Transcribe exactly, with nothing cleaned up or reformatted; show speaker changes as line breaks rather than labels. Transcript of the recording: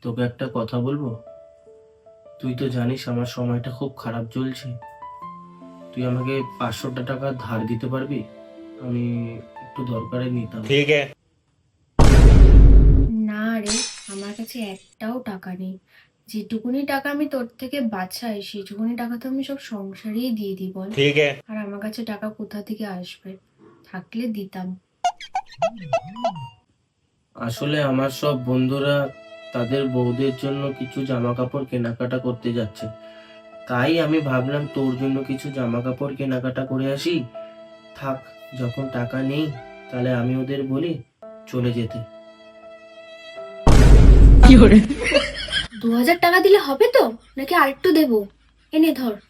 তোকে একটা কথা বলবো। তুই তো জানিস আমার সময়টা খুব খারাপ চলছে। তুই আমাকে পাঁচশোটা টাকা ধার দিতে পারবি? আমি একটু দরকারে নিতাম।
ठीक है।
না রে, আমার কাছে একটাও টাকা নেই। যেটুকুনি টাকা আমি তোর থেকে বাঁচাই সেটুকুনি টাকা তো আমি সব সংসারেই দিয়ে দিই বল।
ठीक है।
আর আমার কাছে টাকা কোথা থেকে আসবে? থাকলে দিতাম।
আসলে আমার সব বন্ধুরা তাদের বউদের জন্য কিছু জামা কাপড় কেনাকাটা করতে যাচ্ছে, তাই আমি ভাবলাম তোর জন্য কিছু জামা কাপড় কেনাকাটা করে আসি। থাক, যখন টাকা নেই তাহলে আমি ওদের বলি চলে যেতে।
দু হাজার টাকা দিলে হবে তো, নাকি আরেকটু দেবো? এনে ধর।